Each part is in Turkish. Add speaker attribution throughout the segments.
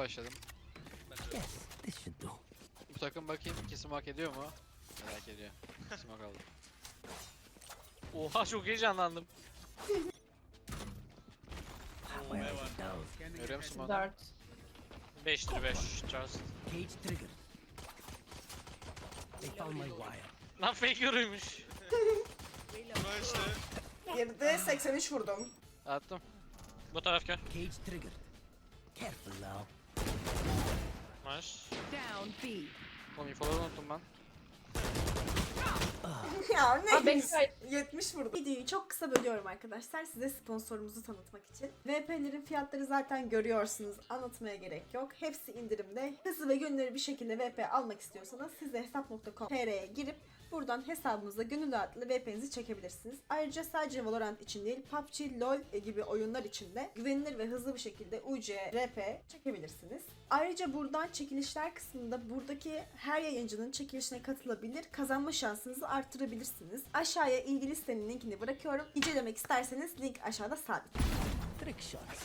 Speaker 1: başladım.
Speaker 2: Yes, this should do.
Speaker 1: Bu takım bakayım 2 smoke ediyor mu? Merak ediyor. Smoke aldım.
Speaker 3: Oha çok heyecanlandım.
Speaker 2: Where are the dogs?
Speaker 1: Görüyor musun onu?
Speaker 4: 4.
Speaker 3: 5'tir 5. Charles.
Speaker 2: Cage triggered. They found my wire.
Speaker 3: Lan fake yoruymuş.
Speaker 4: Geride 83 vurdum.
Speaker 1: Attım.
Speaker 3: Bu taraf gel.
Speaker 2: Cage triggered. Careful now.
Speaker 3: Nice.
Speaker 5: Down B.
Speaker 1: Oğlum infoları unuttum ben.
Speaker 4: Ya
Speaker 5: Abi
Speaker 4: ne?
Speaker 5: ben
Speaker 4: 70 vurdum. Videoyu çok kısa bölüyorum arkadaşlar. Size sponsorumuzu tanıtmak için. VP'lerin fiyatları zaten görüyorsunuz. Anlatmaya gerek yok. Hepsi indirimde. Hızlı ve gönüllü bir şekilde VP almak istiyorsanız siz de hesap.com.tr'ye girip buradan hesabınıza gönül rahatlığı VP'nizi çekebilirsiniz. Ayrıca sadece Valorant için değil, PUBG, LoL gibi oyunlar için de güvenilir ve hızlı bir şekilde UC, RP çekebilirsiniz. Ayrıca buradan çekilişler kısmında buradaki her yayıncının çekilişine katılabilir, kazanma şansınızı arttırabilirsiniz. Aşağıya ilgili sitenin linkini bırakıyorum. İncelemek isterseniz link aşağıda sabit.
Speaker 2: Trick shots.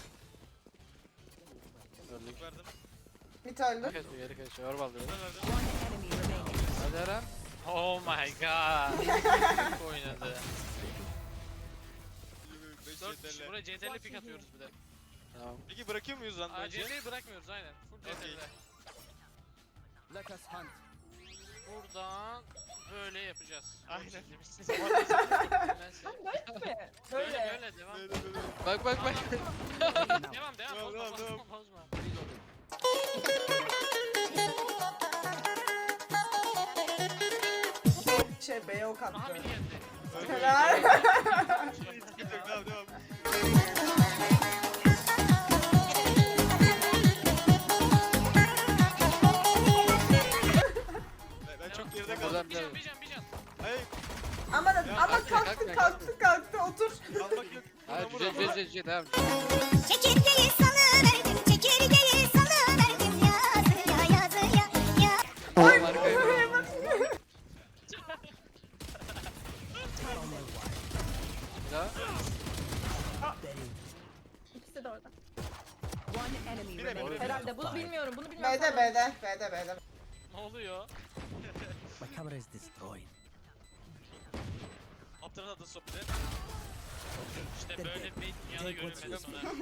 Speaker 1: Öldük.
Speaker 4: Bir öldü.
Speaker 1: Kaç bir geri kaçıyor. Orbal dedi.
Speaker 5: One enemy remaining.
Speaker 1: Hadi Eren.
Speaker 3: Oh my god. Oynadı. 4 kişi buraya CTRL pick atıyoruz bir de.
Speaker 1: Tamam.
Speaker 6: Peki bırakıyor muyuz lan
Speaker 3: Aa
Speaker 6: önce?
Speaker 3: CTRL'i bırakmıyoruz aynen. Full CTRL.
Speaker 2: Let us hunt.
Speaker 3: Buradan böyle yapacağız.
Speaker 6: Aynen.
Speaker 3: Böyle böyle devam.
Speaker 1: Bak bak bak.
Speaker 3: Devam
Speaker 6: Devam,
Speaker 3: bozma
Speaker 6: devam,
Speaker 3: bozma
Speaker 6: devam.
Speaker 3: bozma.
Speaker 4: B ok attı.
Speaker 3: Aha mini geldi.
Speaker 4: Helal.
Speaker 6: Devam devam. Ben çok geride kaldım.
Speaker 1: Buradan
Speaker 3: Bir can bir can bir can.
Speaker 6: Hayır,
Speaker 4: Ama
Speaker 1: kalkma,
Speaker 4: kalktı otur.
Speaker 6: kalmak yok.
Speaker 1: Hayır
Speaker 6: Vur,
Speaker 1: güzel
Speaker 6: vur, vur.
Speaker 1: güzel devam.
Speaker 7: Çekirgeyi salıverdim, çekirgeyi salıverdim yazıya yazıya ya.
Speaker 1: Oğlum arkaya bak. Bir daha.
Speaker 5: İkisi de orada. One enemy
Speaker 6: Bire,
Speaker 5: remaining.
Speaker 6: bire.
Speaker 5: Herhalde bunu bilmiyorum. Bunu bilmiyorum.
Speaker 4: B'de.
Speaker 3: Ne oluyor?
Speaker 2: My camera is destroyed.
Speaker 6: Aptalın adı sopide.
Speaker 3: İşte böyle bir dünyada görünmedi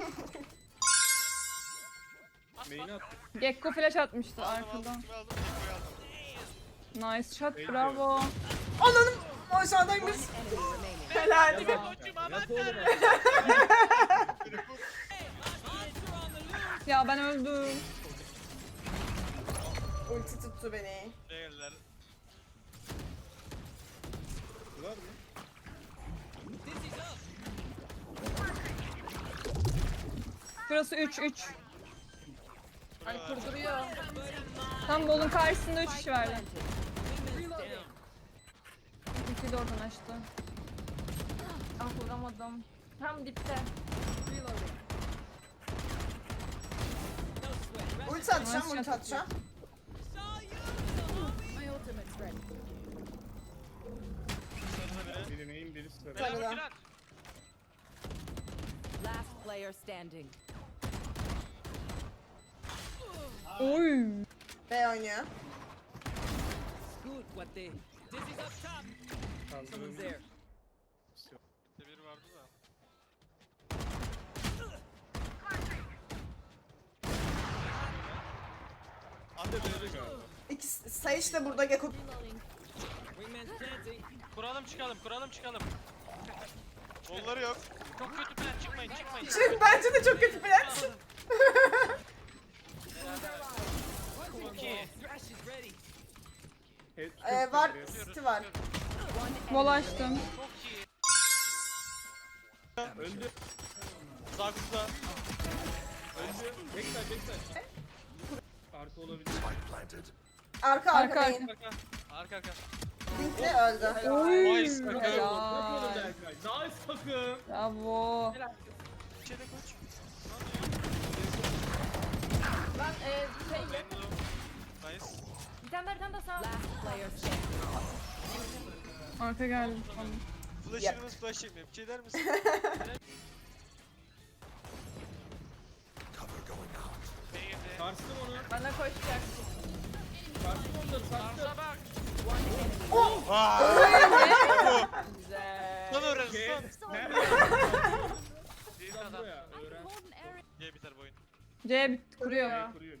Speaker 3: sonra.
Speaker 8: Gekko flash atmıştı
Speaker 6: Aldım
Speaker 8: arkadan.
Speaker 6: kimi aldım? Teko'yu aldım.
Speaker 8: Nice shot, bravo.
Speaker 4: Ananım aşağıdaymış.
Speaker 5: Enemy remaining.
Speaker 4: Helal.
Speaker 8: Ya ben öldüm.
Speaker 4: Ulti tuttu beni.
Speaker 6: Buraya geldiler.
Speaker 8: Burası 3-3.
Speaker 5: Ay kurduruyor.
Speaker 8: Tam bolun karşısında 3 kişi vardı. İki de oradan açtı. Ah vuramadım. Tam dipte.
Speaker 4: Ulti atacağım.
Speaker 5: My ultimate's ready.
Speaker 3: Beyler
Speaker 4: Tabii lan.
Speaker 3: ultiler.
Speaker 5: Last player standing.
Speaker 8: Oy.
Speaker 4: B oynuyor.
Speaker 2: Good what they. Someone's there.
Speaker 6: Biri vardı da. Ande böyle galiba.
Speaker 4: İkisi Sage de burada Gekko.
Speaker 2: Wingman's planting.
Speaker 3: Kuralım çıkalım.
Speaker 6: Kolları yok.
Speaker 3: Çok kötü plan çıkmayın.
Speaker 4: Bence de çok kötü plan.
Speaker 3: Çok iyi.
Speaker 2: Thrash is ready.
Speaker 4: Var, City var.
Speaker 8: Bol açtım.
Speaker 3: Çok iyi.
Speaker 6: Öldü. Sağ kutuda. Öldü.
Speaker 4: Arka
Speaker 8: Arka.
Speaker 4: main.
Speaker 3: Arka.
Speaker 4: Linkli öldü.
Speaker 8: Oy.
Speaker 3: Nice.
Speaker 8: Helal. Bravo.
Speaker 6: İçeri koç.
Speaker 5: Ben
Speaker 6: Nice.
Speaker 5: bir tane daha sağ. Last player standing.
Speaker 8: Arka geldi. Tamam.
Speaker 6: Flash'ınız flash çekmiyor. Bir şey der misin?
Speaker 3: B'ye
Speaker 9: Sarstım onu.
Speaker 8: Bana koşacak.
Speaker 9: Sarstım onları sarstım.
Speaker 3: Arsa bak.
Speaker 8: Güzel.
Speaker 6: Lan öğren
Speaker 9: Şey,
Speaker 6: lan.
Speaker 9: nerede?
Speaker 3: Büyük
Speaker 9: Lan
Speaker 3: adam.
Speaker 9: buraya, öğren.
Speaker 6: Diye biter bu oyun.
Speaker 8: C kuruyor.
Speaker 9: Kuruyor.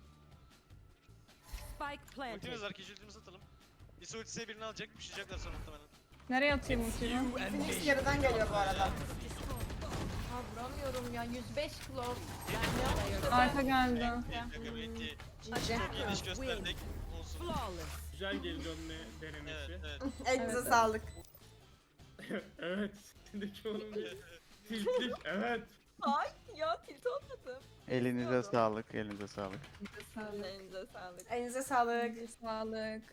Speaker 5: Spike planted.
Speaker 6: Ultimiz var. Keçi ultimizi atalım. İso ultisiye birini alacak. Pişecekler sonra muhtemelen.
Speaker 8: Nereye atayım ultiyi?
Speaker 4: Phoenix yarıdan geliyor bu arada.
Speaker 8: Ha vuramıyorum ya 105 kilo.
Speaker 5: Player
Speaker 8: Arka geldi.
Speaker 6: Yok belki
Speaker 4: GG.
Speaker 6: çok iyi iş gösterdik. Olsun.
Speaker 5: flawless.
Speaker 9: Güzel geri dönme
Speaker 6: Evet
Speaker 9: denemesi.
Speaker 6: evet.
Speaker 4: Elinize
Speaker 8: Evet.
Speaker 4: sağlık.
Speaker 9: Evet. Şimdiki onun bir tiltlik. Evet.
Speaker 8: Ay ya tilt olmadım.
Speaker 10: Elinize sağlık, elinize sağlık.
Speaker 8: Elinize sağlık.
Speaker 4: Elinize sağlık.
Speaker 8: Sağlık.